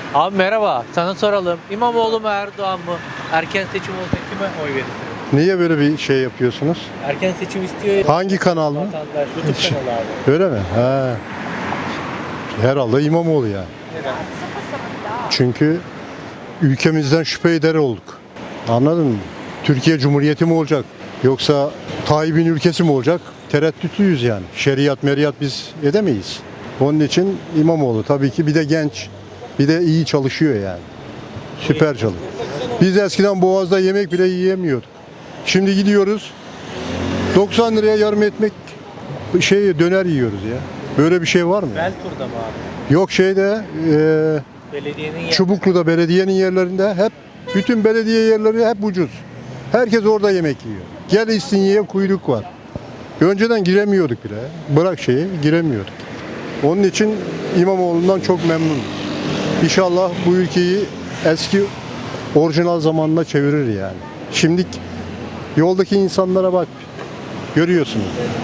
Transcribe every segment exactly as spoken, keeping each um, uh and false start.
Abi merhaba, sana soralım. İmamoğlu mu Erdoğan mı? Erken seçim olsa kime oy verirsin? Niye böyle bir şey yapıyorsunuz? Erken seçim istiyor ya. Hangi kanal mı? Vatandaş, YouTube kanalı abi. Öyle mi? He. Herhalde İmamoğlu yani. Neden? Çünkü ülkemizden şüphe eder olduk. Anladın mı? Türkiye Cumhuriyeti mi olacak? Yoksa Tayyip'in ülkesi mi olacak? Tereddütlüyüz yani. Şeriat meriyat biz edemeyiz. Onun için İmamoğlu tabii ki, bir de genç. Bir de iyi çalışıyor yani. Süper çalışıyor. Biz eskiden Boğaz'da yemek bile yiyemiyorduk. Şimdi gidiyoruz doksan liraya yarım ekmek şey döner yiyoruz ya. Böyle bir şey var mı? Beltur'da mı abi? Yok şeyde e, Belediyenin yer. Çubuklu'da belediyenin yerlerinde hep bütün belediye yerleri hep ucuz. Herkes orada yemek yiyor. Gel İstinye'ye kuyruk var. Önceden giremiyorduk bile. Bırak şeyi giremiyorduk. Onun için İmamoğlu'ndan çok memnunum. İnşallah bu ülkeyi eski orijinal zamanına çevirir yani. Şimdi yoldaki insanlara bak. Görüyorsunuz.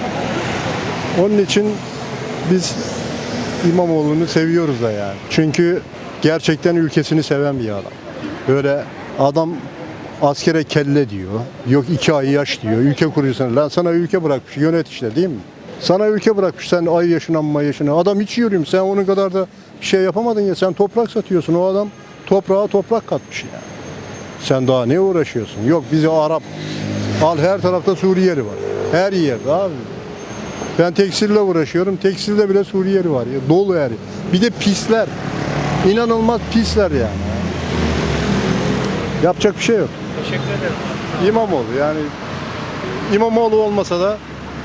Onun için biz İmamoğlu'nu seviyoruz da yani. Çünkü gerçekten ülkesini seven bir adam. Böyle adam askere kelle diyor. Yok iki ay yaş diyor. Ülke kuruyorsun. Lan sana ülke bırakmış. Yönet işte değil mi? Sana ülke bırakmış. Sen ay yaşına amma yaşına. Adam hiç yürüyorum. Sen onun kadar da bir şey yapamadın ya. Sen toprak satıyorsun. O adam toprağa toprak katmış yani. Sen daha ne uğraşıyorsun? Yok bizi Arap. Al her tarafta Suriyeli var. Her yerde abi. Ben tekstille uğraşıyorum. Tekstilde bile Suriyeli var ya. Dolu her yer. Bir de pisler. İnanılmaz pisler yani. Yapacak bir şey yok. Teşekkür ederim. İmamoğlu yani İmamoğlu olmasa da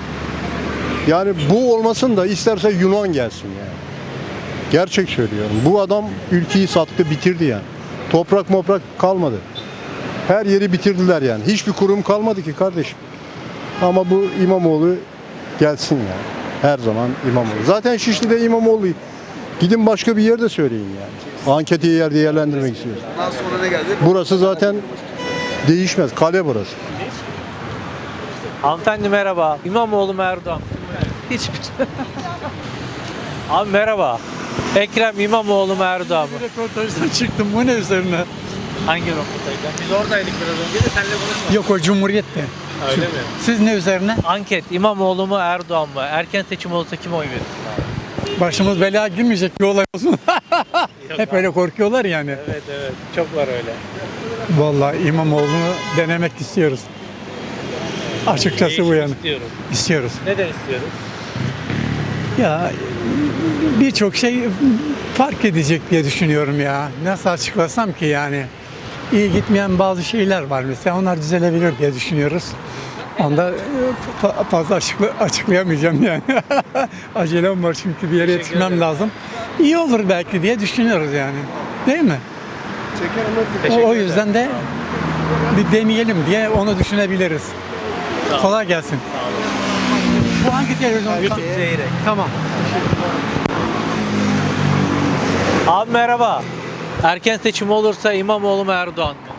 yani bu olmasın da isterse Yunan gelsin yani. Gerçek söylüyorum. Bu adam ülkeyi sattı, bitirdi yani. Toprak moprak kalmadı. Her yeri bitirdiler yani. Hiçbir kurum kalmadı ki kardeşim. Ama bu İmamoğlu gelsin yani. Her zaman İmamoğlu. Zaten Şişli'de İmamoğlu. Gidin başka bir yerde söyleyin yani. Anketi yer değerlendirmek istiyoruz. Ondan sonra ne geldi? Burası zaten değişmez. Kale burası. Hanımefendi merhaba. İmamoğlu mu Erdoğan mı? Hiçbir Abi merhaba. Ekrem İmamoğlu mu Erdoğan mı? Röportajdan çıktım. Bu ne üzerine? Hangi röportajdan? Biz oradaydık biraz önce de seninle konuşmadık. Yok, o Cumhuriyet'te. Öyle mi? Siz ne üzerine? Anket İmamoğlu mu Erdoğan mı? Erken seçim olsa kime oy verirsin abi? Başımız belaya girmeyecek bir olay olsun. Hep öyle korkuyorlar yani. Evet evet. Çok var öyle. Vallahi İmamoğlu'nu denemek istiyoruz. Açıkçası bu Değişim yani. istiyorum. İstiyoruz. Neden istiyoruz? Ya birçok şey fark edecek diye düşünüyorum ya. Nasıl açıklasam ki yani. İyi gitmeyen bazı şeyler var mesela. Onlar düzelebilir diye düşünüyoruz. Onda e, fa- fazla açıkla- açıklayamayacağım yani. Acelem var çünkü bir yere yetişmem lazım. İyi olur belki diye düşünüyoruz yani. Değil mi? O, o yüzden de bir deneyelim diye onu düşünebiliriz. Kolay gelsin. Bu hangi televizyon? YouTube Zeyrek. Tamam. Abi merhaba. Erken seçim olursa İmamoğlu mu Erdoğan mı?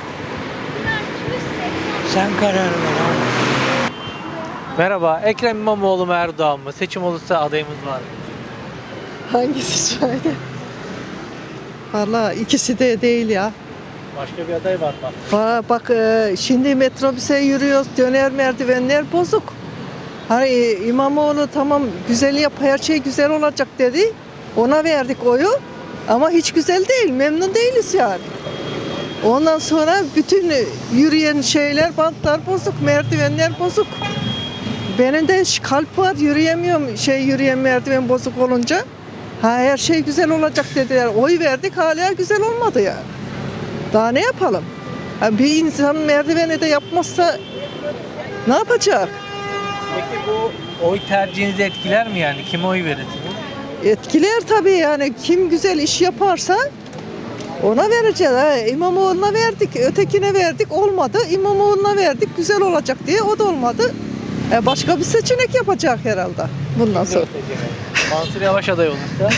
Sen karar ver abi. Merhaba. Ekrem İmamoğlu mu Erdoğan mı? Seçim olursa adayımız var mı? Hangisi şöyle? Valla ikisi de değil ya. Başka bir aday var mı? Va- Bak e, şimdi metrobüse yürüyoruz, döner merdivenler bozuk. Hani e, İmamoğlu tamam güzel yap, her şey güzel olacak dedi. Ona verdik oyu ama hiç güzel değil, memnun değiliz yani. Ondan sonra bütün yürüyen şeyler, bantlar bozuk, merdivenler bozuk. Benim de ş- kalp var, yürüyemiyorum şey yürüyen merdiven bozuk olunca. Ha her şey güzel olacak dediler. Oy verdik hala güzel olmadı yani. Daha ne yapalım? Ha, bir insan merdiveni de yapmazsa ne yapacak? Peki bu oy tercihinizi etkiler mi yani? Kime oy verirsiniz? Etkiler tabii yani kim güzel iş yaparsa ona vereceğiz. Ha, İmamoğlu'na verdik, ötekine verdik olmadı. İmamoğlu'na verdik güzel olacak diye o da olmadı. E, başka bir seçenek yapacak herhalde bundan sonra. Mansur Yavaş aday olursa?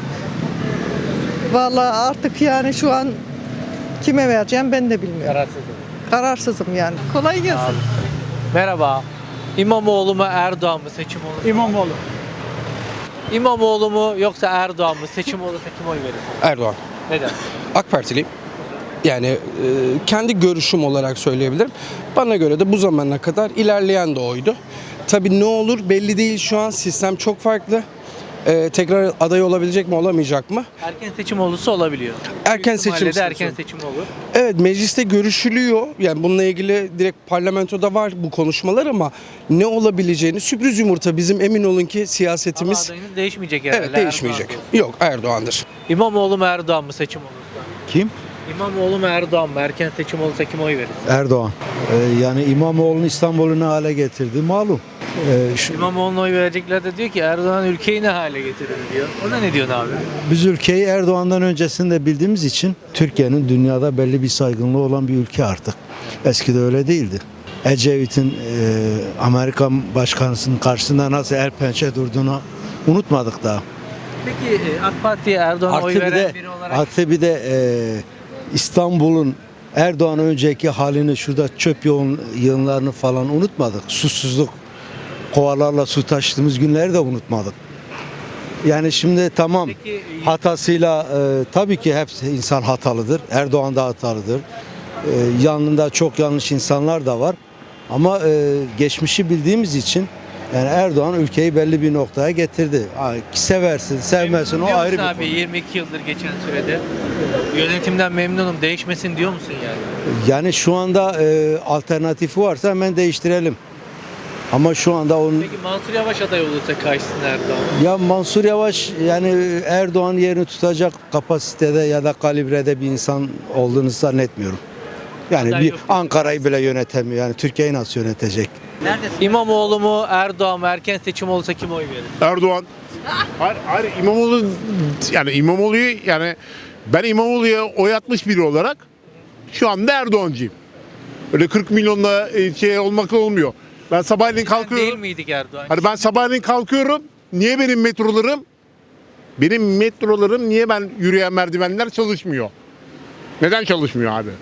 Vallahi artık yani şu an kime vereceğim ben de bilmiyorum. Kararsızım. Kararsızım yani. Kolay gelsin. Merhaba. İmamoğlu mu Erdoğan mı seçim olursa? İmamoğlu. İmamoğlu mu yoksa Erdoğan mı seçim olursa kim oy verir? Erdoğan. Neden? AK Partiliyim. Yani e, kendi görüşüm olarak söyleyebilirim. Bana göre de bu zamana kadar ilerleyen de oydu. Tabii ne olur belli değil, şu an sistem çok farklı. E, tekrar aday olabilecek mi olamayacak mı? Erken seçim olursa olabiliyor. Erken Büyük ihtimalle seçim de erken istiyorsun. seçim olur. Evet, mecliste görüşülüyor. Yani bununla ilgili direkt parlamentoda var bu konuşmalar ama ne olabileceğini sürpriz yumurta, bizim emin olun ki Ama siyasetimiz adayınız değişmeyecek herhalde. evet değişmeyecek. Erdoğan diyorsun. Yok, Erdoğan'dır. İmamoğlu mu Erdoğan mı seçim olursa? Kim? İmamoğlu mu Erdoğan mı? Erken seçim olursa kime oy verir? Erdoğan. Ee, yani İmamoğlu'nu İstanbul'u ne hale getirdi malum. Ee, şu, İmamoğlu'na oy verecekler de diyor ki Erdoğan ülkeyi ne hale getirir diyor. Ona ne diyorsun abi? biz ülkeyi Erdoğan'dan öncesinde bildiğimiz için Türkiye'nin dünyada belli bir saygınlığı olan bir ülke artık. Eskide öyle değildi. Ecevit'in e, Amerikan başkanısının karşısında nasıl el pençe durduğunu unutmadık daha. Peki e, AK Parti'ye Erdoğan'a Artı oy bir veren de, biri olarak artı bir de e, İstanbul'un Erdoğan önceki halini, şurada çöp yoğun yığınlarını falan unutmadık. Susuzluk, kovalarla su taşıdığımız günleri de unutmadık. Yani şimdi tamam, Peki, e, hatasıyla e, tabii ki hepsi insan hatalıdır. Erdoğan da hatalıdır. E, yanında çok yanlış insanlar da var. Ama e, geçmişi bildiğimiz için yani Erdoğan ülkeyi belli bir noktaya getirdi. Ha, seversin, sevmezsin, o memnun ayrı bir musun abi konu. yirmi iki yıldır geçen sürede yönetimden memnunum değişmesin diyor musun yani? Yani şu anda e, alternatifi varsa hemen değiştirelim. Ama şu anda onun Peki Mansur Yavaş aday olursa karşısına Erdoğan. ya Mansur Yavaş yani Erdoğan yerini tutacak kapasitede ya da kalibrede bir insan olduğunu zannetmiyorum. Yani Aday bir yok. Ankara'yı bile yönetemiyor. Yani Türkiye'yi nasıl yönetecek? İmamoğlu mu Erdoğan mı erken seçim olursa kime oy verir? Erdoğan. Hayır, hayır İmamoğlu yani İmamoğlu'yu yani ben İmamoğlu'ya oy atmış biri olarak şu anda Erdoğancıyım. Öyle kırk milyonla e, şey olmakla olmuyor. Ben sabahleyin Değil kalkıyorum. miydik Erdoğan? Hani ben sabahleyin kalkıyorum. Niye benim metrolarım benim metrolarım niye ben yürüyen merdivenler çalışmıyor? Neden çalışmıyor abi?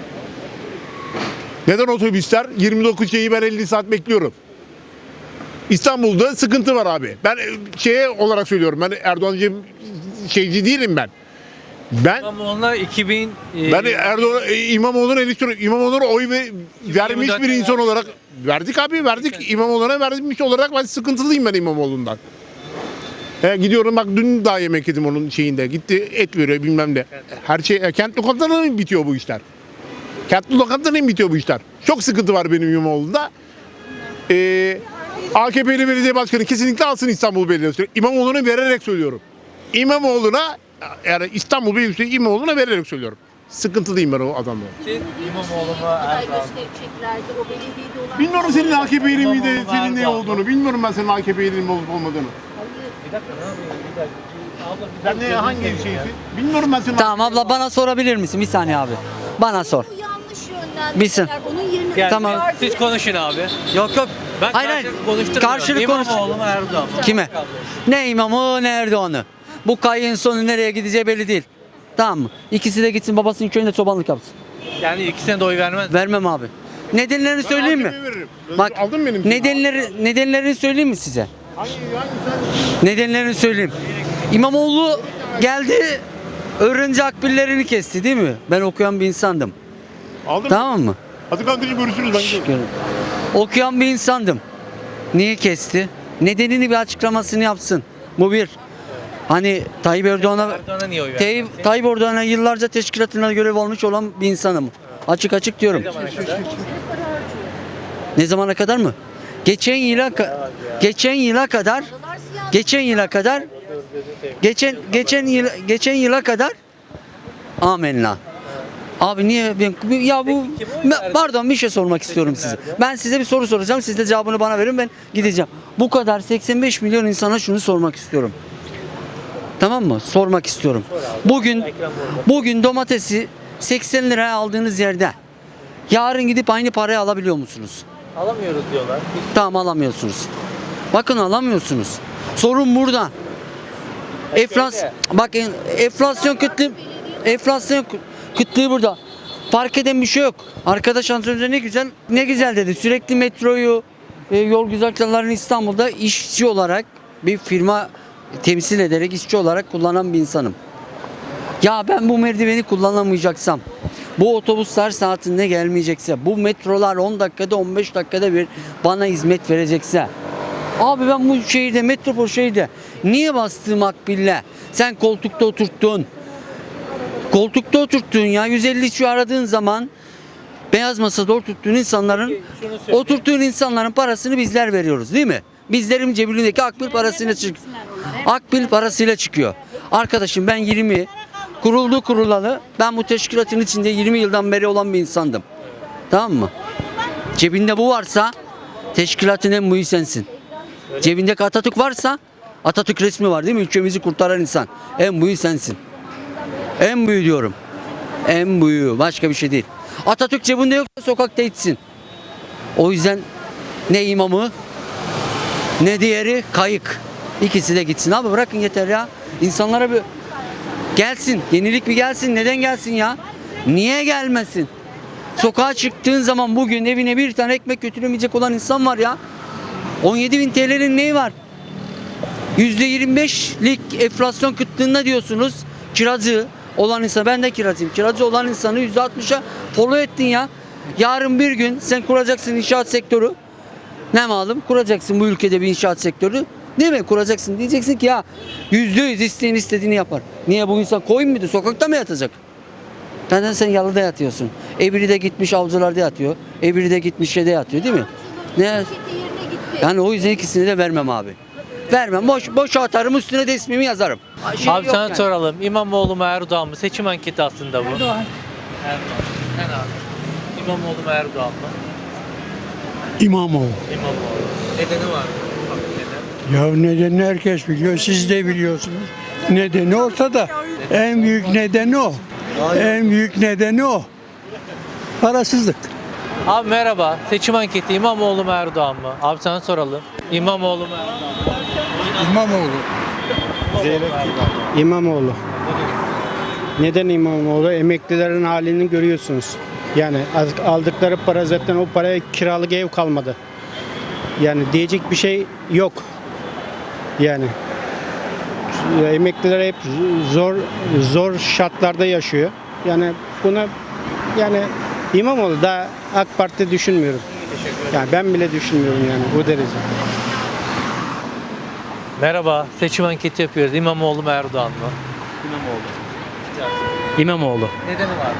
Neden otobüsler yirmi dokuz şeyi ben elli saat bekliyorum? İstanbul'da sıkıntı var abi. Ben e, şeye olarak söylüyorum. Ben Erdoğancı şeyci değilim ben. Ben İmamoğlu'na iki bin e, ben Erdoğan e, İmamoğlu'na eleştiriyorum. İmamoğlu'na oy ve, vermiş bir yirmi dört insan olarak verdik abi verdik. İmamoğlu'na vermiş olarak ben sıkıntılıyım ben İmamoğlu'ndan. He, gidiyorum bak dün daha yemek yedim onun şeyinde. Gitti et veriyor bilmem ne. Her şey e, kent lokantalarında mı bitiyor bu işler? Kent lokantalarında mı bitiyor bu işler? Çok sıkıntı var benim İmamoğlu'nda. Ee, A K P'li belediye başkanı kesinlikle alsın İstanbul Belediyesi. İmamoğlu'na vererek söylüyorum. İmamoğlu'na yani İstanbul Belediyesi İmamoğlu'na vererek söylüyorum. Sıkıntılıyım ben o adamla. siz İmamoğlu mu aday Erdoğan mı? göstereceklerdi o belediyede olan. Bilmiyorum senin A K P'li miydi, İmamoğlu senin ne Erdoğan. olduğunu. Bilmiyorum ben senin A K P'li olup olmadığını. Bir dakika ne yapıyorsun? Bir dakika. Abla, bir Sen ne dakika, hangi gözünü seveyim şeysin? Bilmiyorum ben senin Tamam abla bana sorabilir misin? Bir saniye abi. Bana sor. Bu yanlış yönlendirmeler. Bilsin. Onun yerine ya. Tamam. Yani Siz konuşun abi. Yok yok. Ben hayır hayır. karşılıklı konuşturmuyorum. Karşılık konuş. İmamoğlu mu Erdoğan mı? Kime? Ne imamı ne Erdoğan'ı. Bu kayın sonu nereye gideceği belli değil. Tamam mı? İkisi de gitsin babasının köyünde çobanlık yapsın. Yani ikisine de oy vermez mi? Vermem abi. Nedenlerini söyleyeyim mi? A K P'ye veririm. Bak Aldın mı benim? nedenleri nedenlerini söyleyeyim mi size? Hangi, hangi sen? Nedenlerini söyleyeyim. İmamoğlu geldi öğrenci akbillerini kesti değil mi? Ben okuyan bir insandım. Aldın mı? Tamam mı? Hadi kankacığım görüşürüz ben gidiyorum. Okuyan bir insandım. Niye kesti? Nedenini bir açıklamasını yapsın. Bu bir. Hani Tayyip Erdoğan'a Erdoğan'a niye oy vermez? Tayyip, Tayyip Erdoğan'a yıllarca teşkilatına görev almış olan bir insanım. Açık açık diyorum. Ne zamana kadar? Ne zamana kadar mı? Geçen yıla ka- geçen yıla kadar geçen yıla kadar geçen geçen yıl geçen yıla kadar amenna. Abi niye ben ya bu Ben- pardon bir şey sormak istiyorum size. Ben size bir soru soracağım. Siz de cevabını bana verin ben gideceğim. Bu kadar seksen beş milyon insana şunu sormak istiyorum. Tamam mı? Sormak istiyorum. Bugün bugün domatesi seksen liraya aldığınız yerde yarın gidip aynı paraya alabiliyor musunuz? Alamıyoruz diyorlar. Tamam alamıyorsunuz. Bakın alamıyorsunuz. Sorun burada. Enflasyon bakın enflasyon kıtlığı enflasyon kıtlığı burada. Fark eden bir şey yok. Arkadaş az önce ne güzel ne güzel dedi. Sürekli metroyu e, yol güzergahlarını İstanbul'da işçi olarak bir firma temsil ederek işçi olarak kullanan bir insanım. Ya ben bu merdiveni kullanamayacaksam, bu otobüsler saatinde gelmeyecekse, bu metrolar on dakikada on beş dakikada bir bana hizmet verecekse, abi ben bu şehirde, metropol şehirde niye bastığım akbille sen koltukta oturttun? Koltukta oturttun ya, yüz elli şu aradığın zaman beyaz masada oturttuğun insanların, oturttuğun insanların parasını bizler veriyoruz değil mi? Bizlerin cebindeki akbil parasıyla çık. Akbil parasıyla çıkıyor. Arkadaşım ben yirmi kuruldu kurulalı ben bu teşkilatın içinde yirmi yıldan beri olan bir insandım. Tamam mı? Cebinde bu varsa teşkilatın en büyüğü sensin. Cebinde Atatürk varsa Atatürk resmi var değil mi? Ülkemizi kurtaran insan. En büyüğü sensin. En büyüğü diyorum. En büyüğü. Başka bir şey değil. Atatürk cebinde yoksa sokakta içsin. O yüzden ne imamı ne diğeri kayık. İkisi de gitsin abi, bırakın yeter ya. İnsanlara bir gelsin. Yenilik bir gelsin. Neden gelsin ya? Niye gelmesin? Sokağa çıktığın zaman bugün evine bir tane ekmek götüremeyecek olan insan var ya. on yedi bin T L'nin neyi var? yüzde yirmi beşlik enflasyon kıtlığında diyorsunuz. Kirazı olan insan, ben de kirazıyım. Kirazı olan insanı yüzde altmışa polo ettin ya. Yarın bir gün sen kuracaksın inşaat sektörü. Ne malum kuracaksın bu ülkede bir inşaat sektörü. Değil mi? Kuracaksın. Diyeceksin ki ya yüzde yüz isteyen istediğini yapar. Niye bu insan koyun muydu? Sokakta mı yatacak? Neden sen yalıda yatıyorsun? Ebiri de gitmiş avcılarda yatıyor. Ebiri de gitmiş şeyde yatıyor değil mi? Ne? Yani o yüzden ikisini de vermem abi. Vermem. Boş, boş atarım, üstüne de ismimi yazarım. Şey Abi yok sana yani. soralım. İmamoğlu mu Erdoğan mı? Seçim anketi aslında bu. Erdoğan. Erdoğan. Sen abi. İmamoğlu mu Erdoğan mı? İmamoğlu. İmamoğlu. Nedeni var mı? Neden? Ya nedenini herkes biliyor, siz de biliyorsunuz. Nedeni ortada. En büyük nedeni o. En büyük nedeni o. Parasızlık. Abi merhaba. Seçim anketi İmamoğlu mu Erdoğan mı? Abi sana soralım. İmamoğlu mu Erdoğan mı? İmamoğlu. İmamoğlu. Neden İmamoğlu? Emeklilerin halini görüyorsunuz. Yani aldıkları para zaten o paraya kiralık ev kalmadı. Yani diyecek bir şey yok. Yani emekliler hep zor zor şartlarda yaşıyor. Yani buna yani İmamoğlu da AK Parti düşünmüyorum. Yani ben bile düşünmüyorum yani bu derece. Merhaba. Seçim anketi yapıyoruz. İmamoğlu mu Erdoğan mı? İmamoğlu. İmamoğlu. Nedeni var?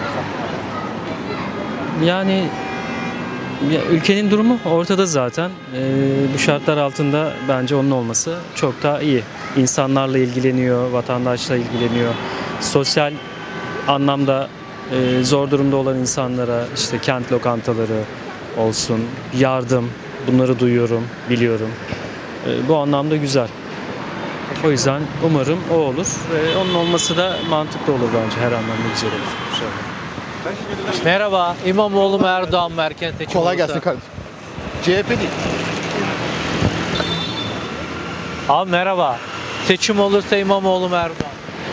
Yani ya, ülkenin durumu ortada zaten. Ee, bu şartlar altında bence onun olması çok daha iyi. İnsanlarla ilgileniyor, vatandaşla ilgileniyor. Sosyal anlamda e, zor durumda olan insanlara işte kent lokantaları olsun, yardım, bunları duyuyorum, biliyorum. E, bu anlamda güzel. O yüzden umarım o olur. E, onun olması da mantıklı olur bence, her anlamda güzel olur. İnşallah. Merhaba. İmamoğlu mu Erdoğan mı erken seçim Kolay olursa? gelsin kardeşim. C H P değil. Abi merhaba. Seçim olursa İmamoğlu mu Erdoğan mı?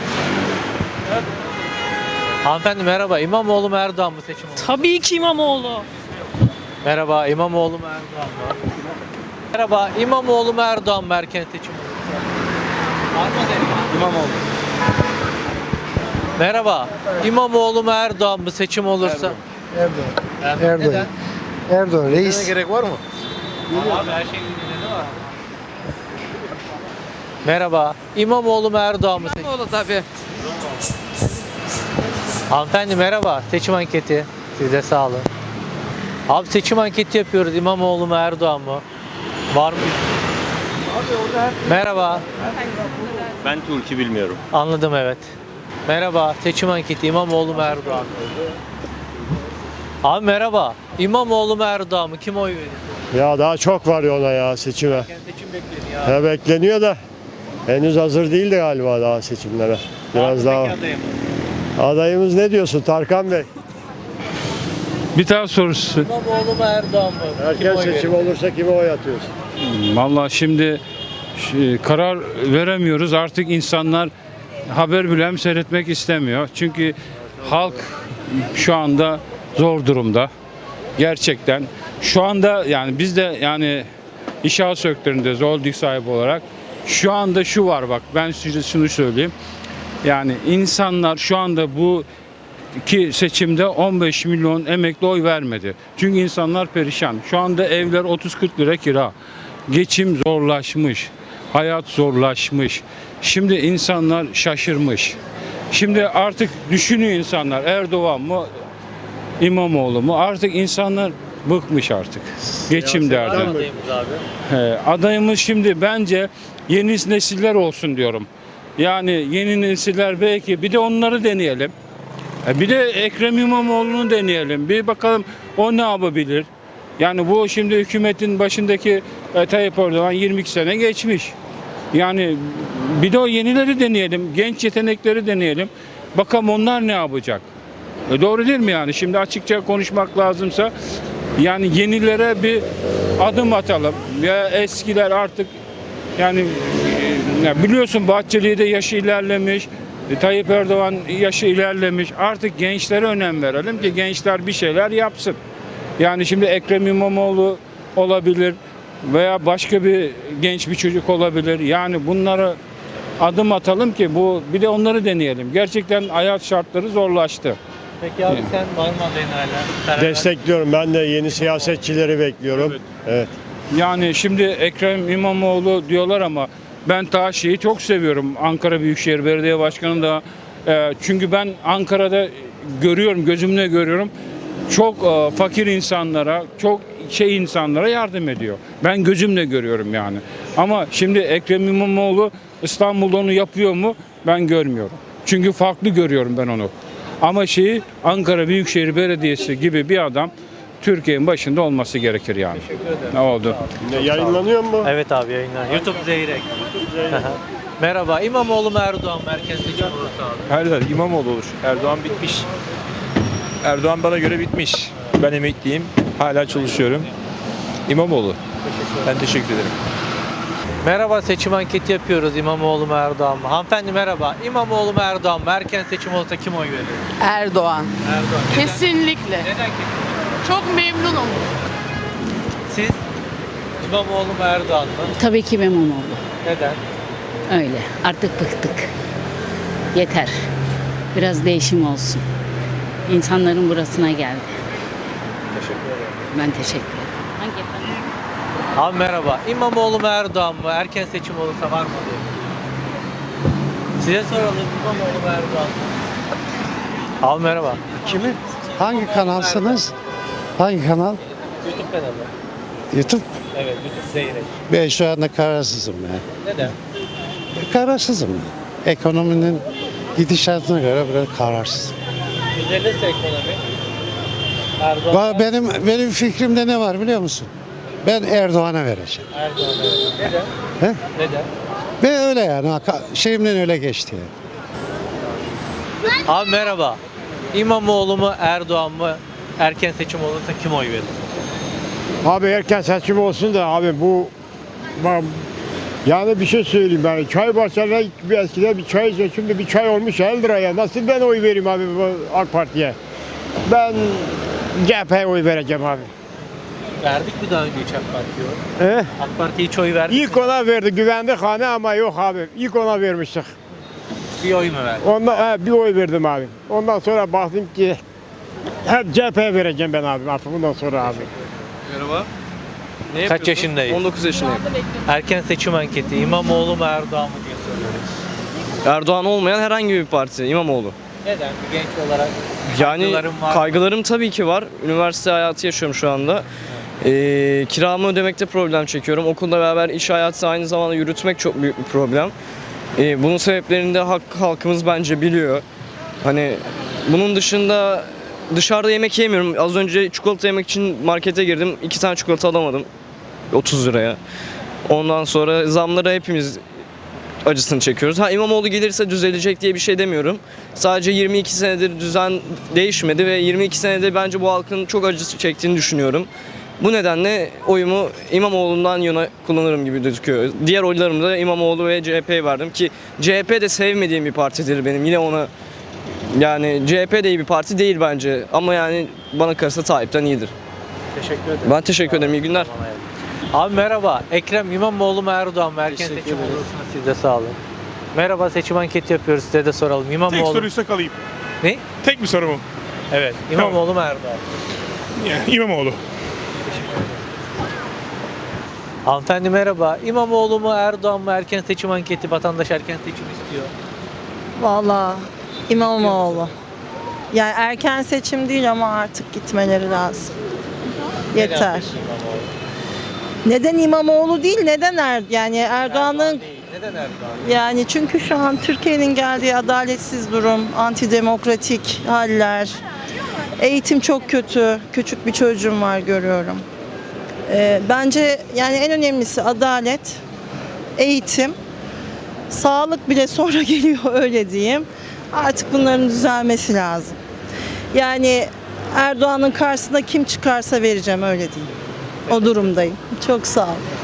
Hanımefendi merhaba. İmamoğlu mu Erdoğan mı seçim olursa? Tabii ki İmamoğlu. Merhaba. İmamoğlu mu Erdoğan mı? Merhaba. İmamoğlu mu Erdoğan mı erken seçim olursa? Var mı adayım? İmamoğlu. Merhaba. İmamoğlu mu Erdoğan mı seçim olursa? Erdoğan. Erdoğan. Neden? Erdoğan Reis. gerek var mı? Abi her şeyin nedeni var. Merhaba. İmamoğlu mu Erdoğan mı seçim? İmamoğlu tabii. Hanımefendi merhaba. Seçim anketi. Siz de sağ olun. Abi seçim anketi yapıyoruz. İmamoğlu mu Erdoğan mı? Var mı? Merhaba. Ben Türk'ü bilmiyorum. Anladım evet. Merhaba. Seçim anketi. İmamoğlu mu Erdoğan mı? Abi merhaba. İmamoğlu mu Erdoğan mı? Kim oy verir? Ya daha çok var yola ya seçime. Erken seçim bekleniyor abi. Ya bekleniyor da henüz hazır değildi galiba daha seçimlere. Biraz daha. Peki adayım. Adayımız ne diyorsun Tarkan Bey? Bir tane sorusu. İmamoğlu mu Erdoğan mı? Kim Erken oy seçim verir? olursa kime oy atıyorsun? Vallahi şimdi ş- karar veremiyoruz. Artık insanlar haber bile seyretmek istemiyor. Çünkü halk şu anda zor durumda. Gerçekten. Şu anda yani biz de yani inşaat sektöründe holding sahibi olarak şu anda şu var bak ben size şunu söyleyeyim. Yani insanlar şu anda bu iki seçimde on beş milyon emekli oy vermedi. Çünkü insanlar perişan. Şu anda evler otuz kırk lira kira. Geçim zorlaşmış. Hayat zorlaşmış. Şimdi insanlar şaşırmış. Şimdi artık düşünüyor insanlar, Erdoğan mı İmamoğlu mu? Artık insanlar bıkmış artık. Geçim derdi. Adayımız abi. He, adayımız şimdi bence yeni nesiller olsun diyorum. Yani yeni nesiller belki bir de onları deneyelim. E, Bir de Ekrem İmamoğlu'nu deneyelim. Bir bakalım o ne yapabilir? Yani bu şimdi hükümetin başındaki e, Tayyip Erdoğan yirmi iki sene geçmiş. Yani bir de o yenileri deneyelim. Genç yetenekleri deneyelim. Bakalım onlar ne yapacak? E, doğru değil mi yani? Şimdi açıkça konuşmak lazımsa yani yenilere bir adım atalım. Ya eskiler artık yani e, ya biliyorsun Bahçeli de yaşı ilerlemiş. E, Tayyip Erdoğan yaşı ilerlemiş. Artık gençlere önem verelim ki gençler bir şeyler yapsın. Yani şimdi Ekrem İmamoğlu olabilir veya başka bir genç bir çocuk olabilir. Yani bunlara adım atalım ki bu bir de onları deneyelim. Gerçekten hayat şartları zorlaştı. Peki abi sen var mı adayın hala? Karar ver. Destekliyorum. Ben de yeni siyasetçileri bekliyorum. Evet. Yani şimdi Ekrem İmamoğlu diyorlar ama ben ta şeyi çok seviyorum. Ankara Büyükşehir Belediye Başkanı da e, çünkü ben Ankara'da görüyorum, gözümle görüyorum. Çok e, fakir insanlara, çok şey insanlara yardım ediyor. Ben gözümle görüyorum yani. Ama şimdi Ekrem İmamoğlu İstanbul'da onu yapıyor mu? Ben görmüyorum. Çünkü farklı görüyorum ben onu. Ama şeyi Ankara Büyükşehir Belediyesi gibi bir adam Türkiye'nin başında olması gerekir yani. Ne oldu? Ne, yayınlanıyor mu? Evet abi yayınlar. YouTube Zeyrek. Merhaba. İmamoğlu mu Erdoğan mı? Erken seçim olursa abi. Her İmamoğlu olur. Erdoğan bitmiş. Erdoğan bana göre bitmiş. Ben emekliyim. Hala çalışıyorum. İmamoğlu. Ben teşekkür ederim. Merhaba, seçim anketi yapıyoruz. İmamoğlu mu Erdoğan mı? Hanımefendi merhaba. İmamoğlu mu Erdoğan mı? Erken seçim olsa kim oy verir? Erdoğan. Erdoğan. Neden? Kesinlikle. Neden kesin? Çok memnunum. Siz İmamoğlu mu Erdoğan mı? Tabii ki İmamoğlu. Neden? Öyle. Artık bıktık. Yeter. Biraz değişim olsun. İnsanların burasına geldi. Teşekkür ederim. Ben teşekkür ederim. Hangi efendim? Abi merhaba. İmamoğlu mu Erdoğan mı? Erken seçim olursa var mı diye. Size soralım. İmamoğlu mu Erdoğan mı? Abi merhaba. Kimi? Hangi kanalsınız? Hangi kanal? YouTube kanalı. YouTube. Evet, YouTube Zeyrek. Ben şu anda kararsızım ya. Neden? Kararsızım. Ekonominin gidişatına göre biraz kararsızım. Düzelirse ekonomi. Erdoğan. Benim benim fikrimde ne var biliyor musun? Ben Erdoğan'a vereceğim. Erdoğan evet. Neden? He? Neden? Ve öyle yani şeyimden öyle geçti. Yani. Abi merhaba. İmamoğlu mu Erdoğan mı? Erken seçim olursa kim oy verir? Abi erken seçim olsun da abi bu bak, yani bir şey söyleyeyim ben. Çay bahçelerine bir eskiden bir çay içiyor. Şimdi bir çay olmuş elli liraya. Nasıl ben oy vereyim abi bu AK Parti'ye? Ben C H P'ye oy vereceğim abi. Verdik mi daha önce hiç AK Parti'ye oy? He? AK Parti'ye hiç oy verdik İlk mi? ona verdi güvendik hani ama yok abi. İlk ona vermiştik. Bir oy mu verdik? Ondan he, bir oy verdim abi. Ondan sonra baktım ki hep C H P'ye vereceğim ben abi artık bundan sonra abi. Merhaba. Ne Kaç yaşındayız? on dokuz yaşındayım. Erken seçim anketi. İmamoğlu mu Erdoğan mı diye soruyoruz. Erdoğan olmayan herhangi bir parti, İmamoğlu. Neden? Bir genç olarak Yani kaygılarım var mı? kaygılarım tabii ki var. Üniversite hayatı yaşıyorum şu anda. Ee, kiramı ödemekte problem çekiyorum. Okulla beraber iş hayatı aynı zamanda yürütmek çok büyük bir problem. Ee, bunun sebeplerini de halk, halkımız bence biliyor. Hani bunun dışında dışarıda yemek yemiyorum. Az önce çikolata yemek için markete girdim. İki tane çikolata alamadım. otuz liraya. Ondan sonra zamlara hepimiz acısını çekiyoruz. Ha İmamoğlu gelirse düzelecek diye bir şey demiyorum. Sadece yirmi iki senedir düzen değişmedi ve yirmi iki senede bence bu halkın çok acısı çektiğini düşünüyorum. Bu nedenle oyumu İmamoğlu'ndan yana kullanırım gibi gözüküyor. Diğer oylarımı da İmamoğlu ve C H P'ye verdim ki C H P de sevmediğim bir partidir benim. Yine ona yani C H P de iyi bir parti değil bence ama yani bana kalırsa Tayyip'ten iyidir. Teşekkür ederim. Ben teşekkür ederim. İyi günler. Abi merhaba. Ekrem İmamoğlu mu Erdoğan mı? Erken seçim olursa siz de sağ olun. Merhaba, seçim anketi yapıyoruz. Size de soralım. Tek İmamoğlu. soruysa kalayım. Ne? Tek bir soru mu? Evet. İmamoğlu mu Erdoğan? Yani İmamoğlu. Hanımefendi merhaba. İmamoğlu mu Erdoğan mı? Erken seçim anketi. Vatandaş erken seçim istiyor. Vallahi İmamoğlu. Yani erken seçim değil ama artık gitmeleri lazım. Neden Yeter. peki İmamoğlu? Neden İmamoğlu değil, neden Er yani Erdoğan'ın Erdoğan değil. Neden Erdoğan? yani çünkü şu an Türkiye'nin geldiği adaletsiz durum, antidemokratik haller, eğitim çok kötü, küçük bir çocuğum var görüyorum. Ee, bence yani en önemlisi adalet, eğitim, sağlık bile sonra geliyor öyle diyeyim. Artık bunların düzelmesi lazım. Yani Erdoğan'ın karşısına kim çıkarsa vereceğim öyle diyeyim. O durumdayım. Çok sağ olun.